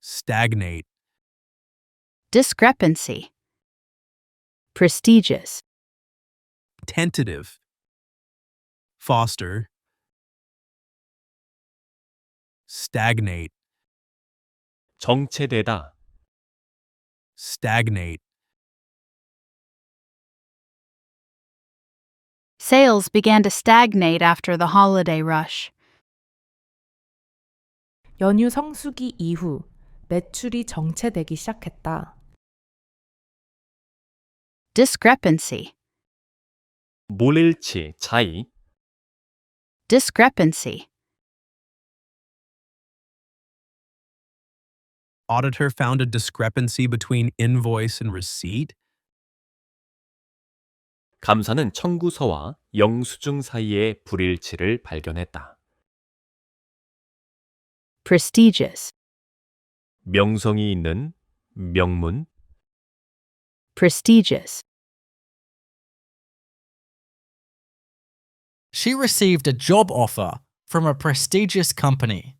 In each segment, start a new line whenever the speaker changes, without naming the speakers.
stagnate,
discrepancy, prestigious,
tentative, foster, stagnate,
정체되다,
stagnate,
sales began to stagnate after the holiday rush.
연휴 성수기 이후 매출이 정체되기 시작했다.
Discrepancy,
몰일치, 차이,
discrepancy,
auditor found a discrepancy between invoice and receipt,
감사는 청구서와 영수증 사이의 불일치를 발견했다.
prestigious,
명성이 있는, 명문,
prestigious,
She received a job offer from a prestigious company.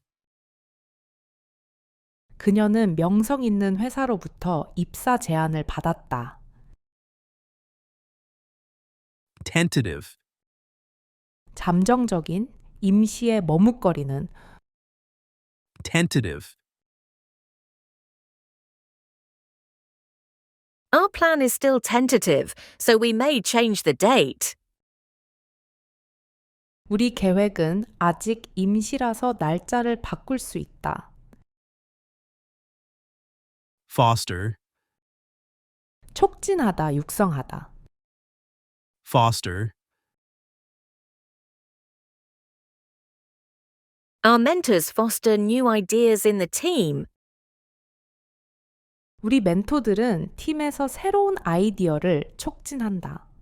그녀는 명성 있는 회사로부터 입사 제안을 받았다.
tentative,
잠정적인, 임시에 머뭇거리는,
tentative,
Our plan is still tentative, so we may change the date.
우리 계획은 아직 임시라서 날짜를 바꿀 수 있다.
foster,
촉진하다, 육성하다.
foster,
Our mentors foster new ideas in the team.
우리 멘토들은 팀에서 새로운 아이디어를 촉진한다.